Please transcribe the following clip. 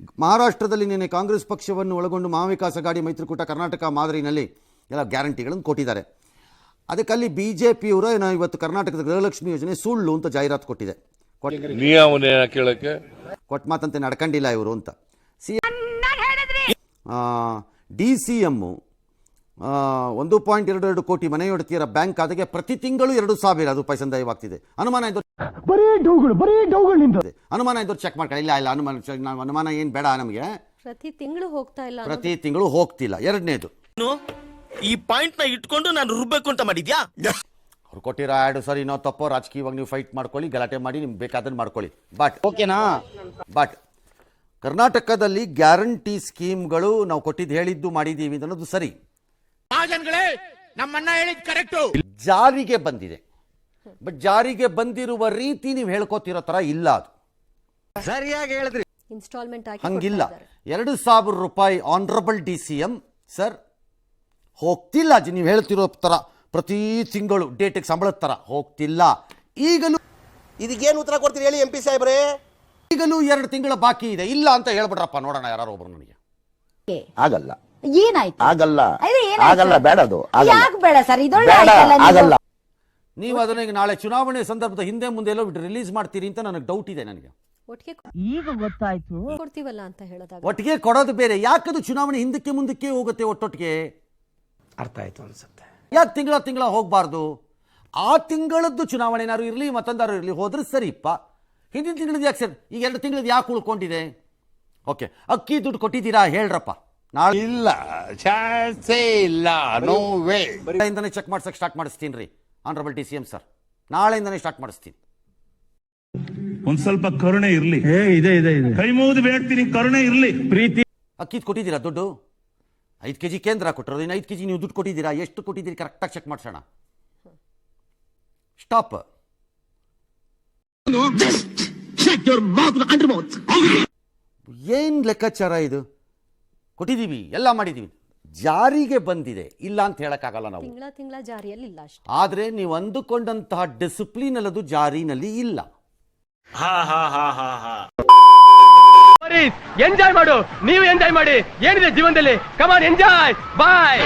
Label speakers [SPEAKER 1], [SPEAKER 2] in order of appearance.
[SPEAKER 1] ಮಹಾರಾಷ್ಟ್ರದಲ್ಲಿ ನಿನ್ನೆ ಕಾಂಗ್ರೆಸ್ ಪಕ್ಷವನ್ನು ಒಳಗೊಂಡು ಮಹಾವಿಕಾಸ್ ಅಘಾಡಿ ಮೈತ್ರಿಕೂಟ ಕರ್ನಾಟಕ ಮಾದರಿನಲ್ಲಿ ಎಲ್ಲ ಗ್ಯಾರಂಟಿಗಳನ್ನು ಕೊಟ್ಟಿದ್ದಾರೆ. ಅದಕ್ಕಲ್ಲಿ ಬಿಜೆಪಿಯವರು ಏನೋ ಇವತ್ತು ಕರ್ನಾಟಕದ ಗೃಹಲಕ್ಷ್ಮಿ ಯೋಜನೆ ಸುಳ್ಳು ಅಂತ ಜಾಹೀರಾತು ಕೊಟ್ಟಿದೆ. ಕೊಟ್ಟ ಮಾತಂತೆ ನಡ್ಕೊಂಡಿಲ್ಲ ಇವರು ಅಂತ. DCM 1.22 ಕೋಟಿ ಮನೆಯೊಡತಿಯರ ಬ್ಯಾಂಕ್ ಖಾತೆಗೆ ಪ್ರತಿ ತಿಂಗಳು 2,000 ರೂಪಾಯಿ ಸಂದಾಯವಾಗ್ತಿದೆ. ಅನುಮಾನ ಇದ್ದವರು ಚೆಕ್ ಮಾಡ್ಕೊಳ್ಳಿ. ಇಲ್ಲ ಅನುಮಾನ ಏನು ಬೇಡ ನಮಗೆ. ಪ್ರತಿ ತಿಂಗಳು ಹೋಗ್ತಿಲ್ಲ. ಎರಡನೇದು,
[SPEAKER 2] ಈ ಪಾಯಿಂಟ್ ನ ಇಟ್ಕೊಂಡು ನಾನು ರುಬ್ಬೇಕು ಅಂತ ಮಾಡಿದ್ಯಾ?
[SPEAKER 1] ಅವ್ರು ಕೊಟ್ಟಿರೋ ಆ್ಯಡ್ ಸರಿ ನಾವು ತಪ್ಪೋ, ರಾಜಕೀಯವಾಗಿ ನೀವು ಫೈಟ್ ಮಾಡ್ಕೊಳ್ಳಿ, ಗಲಾಟೆ ಮಾಡಿ, ನಿಮ್ಗೆ ಬೇಕಾದನ್ನು ಮಾಡ್ಕೊಳ್ಳಿ. ಬಟ್ ಕರ್ನಾಟಕದಲ್ಲಿ ಗ್ಯಾರಂಟಿ ಸ್ಕೀಮ್ಗಳು ನಾವು ಕೊಟ್ಟಿದ್ದು ಹೇಳಿದ್ದು ಮಾಡಿದ್ದೀವಿ ಅನ್ನೋದು ಸರಿ,
[SPEAKER 2] ನಮ್ಮಣ್ಣ ಹೇಳಿದ್ ಕರೆಕ್ಟ್,
[SPEAKER 1] ಜಾರಿಗೆ ಬಂದಿದೆ. ಬಟ್ ಜಾರಿಗೆ ಬಂದಿರುವ ರೀತಿ ನೀವು ಹೇಳ್ಕೋತಿರೋ ತರ ಇಲ್ಲ. ಅದು
[SPEAKER 3] ಸರಿಯಾಗಿ ಹೇಳಿದ್ರಿ.
[SPEAKER 1] ಹಂಗಿಲ್ಲ. 2,000 ರೂಪಾಯಿ ಆನರಬಲ್ DCM ಸರ್ ಹೋಗ್ತಿಲ್ಲ. ನೀವು ಹೇಳ್ತಿರೋ ತರ ಪ್ರತಿ ತಿಂಗಳು ಡೇಟಿಗೆ ಸಂಬಳದ ತರ ಹೋಗ್ತಿಲ್ಲ. ಈಗಲೂ
[SPEAKER 4] ಇದಕ್ಕೇನು ಉತ್ತರ ಕೊಡ್ತೀರಿ ಹೇಳಿ MP ಸಾಹೇಬ್ರೆ?
[SPEAKER 1] ಈಗಲೂ 2 ತಿಂಗಳ ಬಾಕಿ ಇದೆ. ಇಲ್ಲ ಅಂತ ಹೇಳ್ಬಿಡ್ರಪ್ಪ, ನೋಡೋಣ ಯಾರು ಒಬ್ರು ನನಗೆ.
[SPEAKER 4] ಆಗಲ್ಲ,
[SPEAKER 5] ಏನಾಯ್ತು?
[SPEAKER 4] ಆಗಲ್ಲ, ಬೇಡ, ಅದು
[SPEAKER 5] ಯಾಕೆ ಬೇಡ ಸರ್?
[SPEAKER 4] ಆಗಲ್ಲ.
[SPEAKER 1] ನೀವು ಅದನ್ನ ಈಗ ನಾಳೆ ಚುನಾವಣೆ ಸಂದರ್ಭದ ಹಿಂದೆ ಮುಂದೆ ಎಲ್ಲೋ ರಿಲೀಸ್ ಮಾಡ್ತೀರಿ ಅಂತ ನನಗೆ ಡೌಟ್ ಇದೆ. ನನಗೆ
[SPEAKER 5] ಈಗ ಗೊತ್ತಾಯ್ತು.
[SPEAKER 6] ಕೊಡ್ತೀವಲ್ಲ ಅಂತ ಹೇಳೋದಾಗ
[SPEAKER 1] ಒಟ್ಟಿಗೆ ಕೊಡೋದು ಬೇರೆ. ಯಾಕದು ಚುನಾವಣೆ ಹಿಂದಕ್ಕೆ ಮುಂದಕ್ಕೆ ಹೋಗುತ್ತೆ ಒಟ್ಟೊಟ್ಟಿಗೆ?
[SPEAKER 4] ಅರ್ಥ ಆಯ್ತು ಅನ್ಸುತ್ತೆ.
[SPEAKER 1] ಯಾಕೆ ತಿಂಗಳ ಹೋಗಬಾರ್ದು? ಆ ತಿಂಗಳದ್ದು ಚುನಾವಣೆ ಏನಾದ್ರು ಇರಲಿ, ಮತ್ತೊಂದಾರು ಇರಲಿ, ಹೋದ್ರೆ ಸರಿಪ್ಪ. ಹಿಂದಿನ ತಿಂಗಳದ್ದು ಯಾಕೆ ಸರ್? ಈಗ 2 ತಿಂಗಳದ್ದು ಯಾಕೆ ಉಳ್ಕೊಂಡಿದೆ? ಓಕೆ, ಅಕ್ಕಿ ದುಡ್ಡು ಕೊಟ್ಟಿದ್ದೀರಾ ಹೇಳ್ರಪ್ಪ. ನಾಳೆ
[SPEAKER 7] ಇಲ್ಲ, ಚಾನ್ಸೇ ಇಲ್ಲ, ನೋ ವೇ.
[SPEAKER 1] ನಾಳೆಯಿಂದನೇ ಚೆಕ್ ಮಾಡ್ಸಕ್ಕೆ ಸ್ಟಾರ್ಟ್ ಮಾಡಿಸ್ತೀನಿ ರೀ ಆನರಬಲ್ DCM ಸರ್. ನಾಳೆಯಿಂದನೇ ಸ್ಟಾರ್ಟ್ ಮಾಡಿಸ್ತೀನಿ.
[SPEAKER 8] ಒಂದ್ ಸ್ವಲ್ಪ ಕರುಣೆ ಇರ್ಲಿ. ಕೈ ಮುಗಿದು ಬೇಡ್ತೀನಿ, ಕರುಣೆ ಇರ್ಲಿ, ಪ್ರೀತಿ.
[SPEAKER 1] ಅಕ್ಕಿದ್ ಕೊಟ್ಟಿದ್ದೀರಾ ದುಡ್ಡು? 5 kg ಕೇಂದ್ರ ಕೊಟ್ಟರು, ಇನ್ನು 5 kg ನೀವು ದುಡ್ಡು ಕೊಟ್ಟಿದ್ದೀರಾ? ಎಷ್ಟು ಕೊಟ್ಟಿದ್ದೀರಿ ಕರೆಕ್ಟಾಗಿ ಚೆಕ್ ಮಾಡ್ಸೋಣ. ಸ್ಟಾಪ್. ಏನ್ ಲೆಕ್ಕಾಚಾರ ಇದು? ಕೊಟ್ಟಿದ್ದೀವಿ, ಎಲ್ಲ ಮಾಡಿದ್ದೀವಿ, ಜಾರಿಗೆ ಬಂದಿದೆ, ಇಲ್ಲ ಅಂತ ಹೇಳಕ್ಕಾಗಲ್ಲ ನಾವು.
[SPEAKER 6] ತಿಂಗಳ ಜಾರಿಯಲ್ಲಿ ಇಲ್ಲ ಅಷ್ಟೇ.
[SPEAKER 1] ಆದ್ರೆ ನೀವು ಅಂದುಕೊಂಡಂತಹ ಡಿಸಿಪ್ಲಿನ್ ಅಲ್ಲದು ಜಾರಿನಲ್ಲಿ ಇಲ್ಲ.
[SPEAKER 9] ಎಂಜಾಯ್ ಮಾಡು, ನೀವು ಎಂಜಾಯ್ ಮಾಡಿ. ಏನಿದೆ ಜೀವನದಲ್ಲಿ? Come on enjoy. ಬಾಯ್.